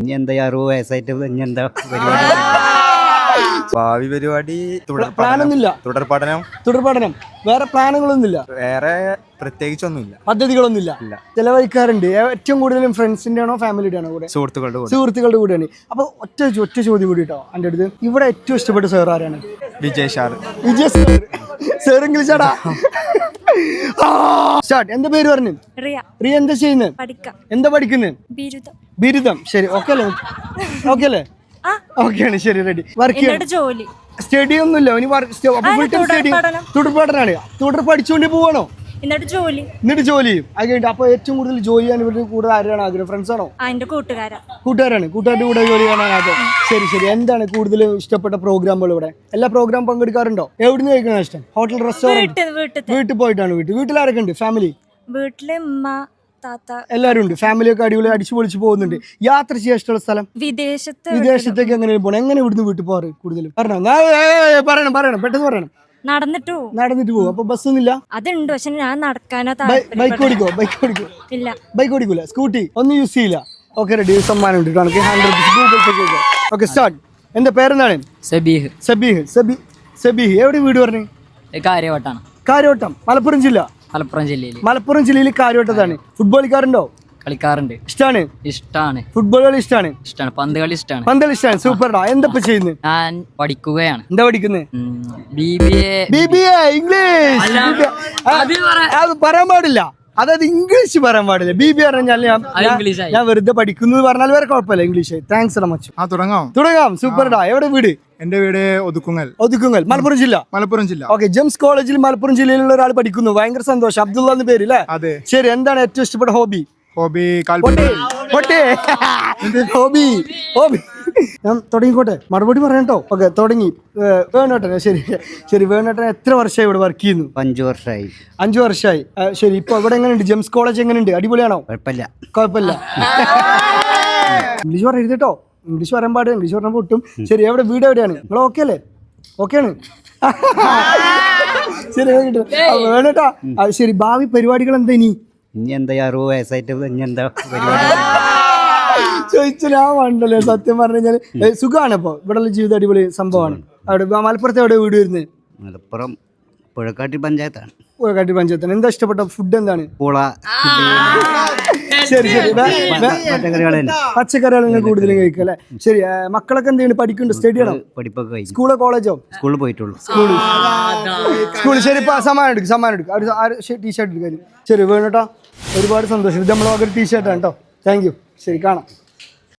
ഇനി എന്താ 60 വയസ്സായിട്ട് ഇനി എന്താ പരിപാടി? ഭാവി പരിപാടി പ്ലാനൊന്നുമില്ല. തുടർ പഠനം. വേറെ പ്ലാനുകളൊന്നുമില്ല. വേറെ പ്രത്യേകിച്ചൊന്നുമില്ല. പദ്ധതികളൊന്നുമില്ല. ചെലവഴിക്കാറുണ്ട്. ഏറ്റവും കൂടുതലും ഫ്രണ്ട്സിന്റെ ആണോ ഫാമിലിയുടെ ആണോ കൂടെ? സുഹൃത്തുക്കളുടെ കൂടെയാണ്. അപ്പൊ ഒറ്റ ചോദ്യം കൂടി കേട്ടോ എൻ്റെ അടുത്ത്. ഇവിടെ ഏറ്റവും ഇഷ്ടപ്പെട്ട സാർ ആരാണ്? വിജയ് സാർ. സാർ ഇംഗ്ലീഷാടാ. സ്റ്റാർട്ട്. എന്താ പേര് പറഞ്ഞു? റിയ. എന്താ ചെയ്യുന്നത്? എന്താ പഠിക്കുന്നത്? ബിരുദം. ശരി, ഓക്കെ അല്ലേ? ഓക്കെ അല്ലേ? ഓക്കെയാണ്. ശരി, റെഡി. വർക്ക് സ്റ്റഡി ഒന്നുമില്ല. തുടർ പഠനമാണ്. തുടർ പഠിച്ചുകൊണ്ട് പോവാണോ? എന്നിട്ട് ജോലി ചെയ്യും. അത് കഴിഞ്ഞിട്ട് അപ്പൊ ഏറ്റവും കൂടുതൽ ജോലി ചെയ്യാൻ ഇവരുടെ കൂടെ ആരാണ് ആഗ്രഹം? ഫ്രണ്ട്സ് ആണോ? കൂട്ടുകാരാണ്. കൂട്ടുകാരുടെ കൂടെ ജോലി ചെയ്യാനാണ് ആഗ്രഹം. ശരി. എന്താണ് കൂടുതൽ ഇഷ്ടപ്പെട്ട പ്രോഗ്രാമുകൾ? ഇവിടെ എല്ലാ പ്രോഗ്രാം പങ്കെടുക്കാറുണ്ടോ? എവിടുന്ന് കഴിക്കണം ഇഷ്ടം? Hotel, restaurant? വീട്ടിൽ പോയിട്ടാണ്. വീട്ടിലാരൊക്കെ ഉണ്ട്? ഫാമിലി? വീട്ടിലെ ഉമ്മ, താത്ത എല്ലാരും ഉണ്ട്. ഫാമിലി ഒക്കെ അടിപൊളി അടിച്ചു പൊളിച്ച് പോകുന്നുണ്ട്. യാത്ര ചെയ്യാൻ ഇഷ്ടമുള്ള സ്ഥലം? വിദേശത്തേക്ക് എങ്ങനെ പോകണം? എങ്ങനെ ഇവിടുന്ന് വീട്ടിൽ പോകാറ് കൂടുതലും? പറയണം പെട്ടെന്ന് പറയണം. നടന്നിട്ട് പോകും. അപ്പൊ ബസ്സൊന്നുമില്ല? അതുണ്ട്, പക്ഷെ ഞാൻ നടക്കാനോ. ബൈക്ക് ഓടിക്കോ? ഇല്ല, ബൈക്ക് ഓടിക്കൂല. സ്കൂട്ടി ഒന്നും യൂസ് ചെയ്യില്ല. Okay, ready. സമ്മാനം ഉണ്ട്. 100 ഗൂഗിൾ പേ ചെയ്തോ. Okay, start. എന്റെ പേരെന്താണ്? സബീഹ്. എവിടെ വീട് പറഞ്ഞു? കാര്യവട്ടം. മലപ്പുറം ജില്ലയിൽ കാര്യവട്ടത്താണ്. ഫുട്ബോൾ കളിക്കാറുണ്ടോ? കളിക്കാറുണ്ട്. ഇഷ്ടാണ്. ഫുട്ബോൾ കളി ഇഷ്ടമാണ്. പന്ത് കളി ഇഷ്ടമാണ്. സൂപ്പർടാ. എന്താ ചെയ്യുന്നത്? ഞാൻ പഠിക്കുകയാണ്. എന്താ പഠിക്കുന്നത്? BBA English. അത് പറയാൻ പാടില്ല. അതായത് ഇംഗ്ലീഷ് പറയാൻ പാടില്ല. BBA പറഞ്ഞാൽ ഞാൻ വെറുതെ പഠിക്കുന്നു പറഞ്ഞാൽ വേറെ കുഴപ്പമില്ല. ഇംഗ്ലീഷ്. Thanks much. തുടങ്ങാം. സൂപ്പർടാ. എവിടെ വീട്? എന്റെ വീട് ഒതുക്കുങ്ങൽ. മലപ്പുറം ജില്ല. ഓക്കെ, ജെംസ് കോളേജിൽ മലപ്പുറം ജില്ലയിലുള്ള ഒരാൾ പഠിക്കുന്നു. ഭയങ്കര സന്തോഷം. അബ്ദുള്ള എന്ന് പേര് അല്ലേ? ശരി, എന്താണ് ഏറ്റവും ഇഷ്ടപ്പെട്ട ഹോബി? ഞാൻ തുടങ്ങിക്കോട്ടെ? മറുപടി പറയട്ടോ? ഓക്കെ, തുടങ്ങി. വേണോട്ടെ. ശരി. വേണോട്ടെ എത്ര വർഷമായി ഇവിടെ വർക്ക് ചെയ്യുന്നു? 5 വർഷമായി. 5 വർഷമായി. ശരി, ഇപ്പൊ ഇവിടെ എങ്ങനെയുണ്ട്? ജെംസ് കോളേജ് എങ്ങനെയുണ്ട്? അടിപൊളിയാണോ? കുഴപ്പമില്ല. ഇംഗ്ലീഷ് പറയരുത് കേട്ടോ. ഇംഗ്ലീഷ് പറയാൻ പാടില്ല. ഇംഗ്ലീഷ് പറഞ്ഞാൽ പൊട്ടും. ശരി, എവിടെ വീട് എവിടെയാണ്? നിങ്ങൾ ഓക്കെ അല്ലേ? ഓക്കെയാണ്. ശരി, വേണോട്ടാ. ശരി, ഭാവി പരിപാടികൾ എന്താ? ഇനി എന്താ 60 വയസ്സായിട്ട് ഇനി എന്താ പരിപാടി? ചോദിച്ചാ വേണ്ടല്ലേ? സത്യം പറഞ്ഞു കഴിഞ്ഞാൽ സുഖമാണ്. ഇപ്പൊ ഇവിടെ ജീവിതം അടിപൊളി സംഭവമാണ്. അവിടെ മലപ്പുറത്ത് എവിടെ വീട് വരുന്നത്? മലപ്പുറം പുഴക്കാട്ടി പഞ്ചായത്താണ്. എന്താ ഇഷ്ടപ്പെട്ട ഫുഡ്? എന്താണ്? പൂള. ശരി. പച്ചക്കറികളാണ് കൂടുതലും കഴിക്കുക അല്ലെ? ശരി, മക്കളൊക്കെ എന്താണ് പഠിക്കുന്നുണ്ട്? സ്റ്റഡിയാണോ? പഠിപ്പൊക്കെ കഴിഞ്ഞു. സ്കൂളോ കോളേജോ? സ്കൂളിൽ പോയിട്ടുള്ളൂ. സ്കൂളിൽ. ശരി, സമ്മാനം എടുക്കും. ടീഷർട്ട് എടുക്കാനും. ശരി, വേണോട്ടാ. ഒരുപാട് സന്തോഷം. ഇത് നമ്മളൊരു ടീഷർട്ടാണ് കേട്ടോ. Thank you. ശരി, കാണാം.